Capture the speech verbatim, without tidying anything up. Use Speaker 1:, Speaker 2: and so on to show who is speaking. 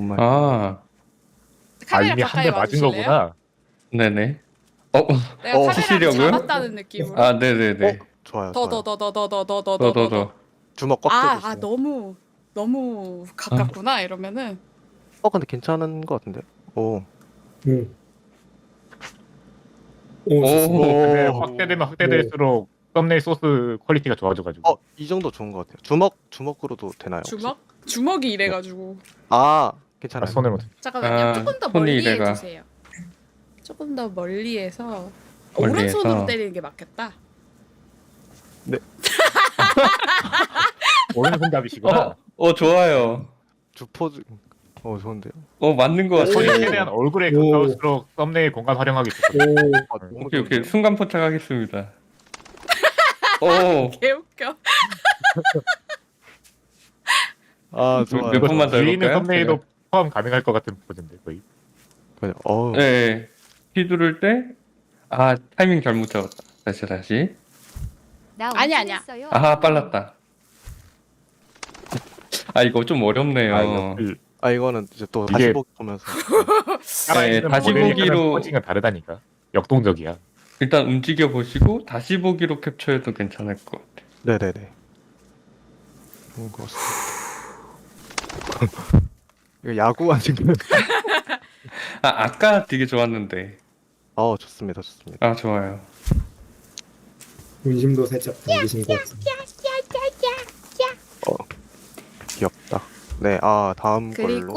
Speaker 1: 오랜만에.
Speaker 2: 아,
Speaker 3: 아
Speaker 4: 카메라
Speaker 3: 이미 한
Speaker 4: 가까이
Speaker 3: 대 맞은
Speaker 4: 와주실래요?
Speaker 3: 거구나.
Speaker 2: 네네. 어,
Speaker 4: 내가
Speaker 1: 어,
Speaker 4: 카메라를
Speaker 2: 치시려고요?
Speaker 4: 잡았다는 느낌으로.
Speaker 2: 아, 네네네.
Speaker 1: 어, 좋아요.
Speaker 4: 더
Speaker 1: 좋아요.
Speaker 4: 더 더 더 더 더 더
Speaker 2: 더,
Speaker 4: 더
Speaker 2: 더,
Speaker 4: 더.
Speaker 2: 더.
Speaker 1: 주먹 꽉
Speaker 4: 아,
Speaker 1: 쥐고
Speaker 4: 아
Speaker 1: 있어요.
Speaker 4: 너무 너무 가깝구나 이러면은.
Speaker 1: 어, 근데 괜찮은 것 같은데. 오.
Speaker 5: 응. 오,
Speaker 2: 오,
Speaker 5: 좋습니다.
Speaker 3: 근데
Speaker 1: 오.
Speaker 3: 확대되면 확대될수록 썸네일 소스 퀄리티가 좋아져가지고.
Speaker 1: 어, 이 정도 좋은 것 같아요. 주먹 주먹으로도 되나요? 혹시?
Speaker 4: 주먹? 주먹이 이래가지고.
Speaker 1: 아,
Speaker 3: 아,
Speaker 1: 괜찮아요.
Speaker 3: 손을 못.
Speaker 4: 잠깐만요.
Speaker 2: 아,
Speaker 4: 조금 더
Speaker 2: 손이
Speaker 4: 멀리
Speaker 2: 이래가.
Speaker 4: 해주세요. 조금 더 멀리해서
Speaker 2: 멀리해서.
Speaker 4: 오른손으로 때리는 게 맞겠다.
Speaker 3: 오른손잡이시구나.
Speaker 2: 어, 어, 좋아요.
Speaker 1: 주포즈. 어, 좋은데요.
Speaker 2: 어, 맞는 것
Speaker 3: 손이
Speaker 2: 같아요.
Speaker 3: 최대한 얼굴에
Speaker 5: 오.
Speaker 3: 가까울수록 썸네일 공간 활용하기 좋거든요.
Speaker 5: 오,
Speaker 1: 아, 너무
Speaker 2: 오케이, 오케이.
Speaker 1: 좋은데요?
Speaker 2: 순간 포착하겠습니다. 오,
Speaker 4: 개웃겨.
Speaker 1: 아,
Speaker 2: 몇
Speaker 1: 좋아요.
Speaker 2: 번만 더
Speaker 3: 뒤에 있는
Speaker 2: 해볼까요?
Speaker 3: 썸네일도 포함 가능할 것 같은 포즈인데 거의.
Speaker 1: 그냥, 어우.
Speaker 2: 네. 휘두를 때, 아, 타이밍 잘못 잡았다. 다시, 다시.
Speaker 6: 나
Speaker 4: 아니, 아니야.
Speaker 6: 운전했어요.
Speaker 2: 아하, 빨랐다. 아, 이거 좀 어렵네요.
Speaker 3: 아, 이거 그
Speaker 1: 아, 이거는 이제 또
Speaker 3: 이게-
Speaker 1: 다시 보기 보면서.
Speaker 3: 살아있는
Speaker 2: 다시
Speaker 3: 모델이
Speaker 2: 보기로-
Speaker 3: 하는 펀칭은 다르다니까. 역동적이야.
Speaker 2: 일단 움직여 보시고 다시 보기로 캡처해도 괜찮을 것 같아요.
Speaker 1: 네네네. 좋은 것 같습니다. 이거 야구 하는 거.
Speaker 2: 아, 아까 되게 좋았는데.
Speaker 1: 어, 좋습니다. 좋습니다.
Speaker 2: 아, 좋아요.
Speaker 5: 문심도 살짝 당기신 것 같습니다.
Speaker 1: 귀엽다. 네, 아, 다음
Speaker 4: 그리고
Speaker 1: 걸로.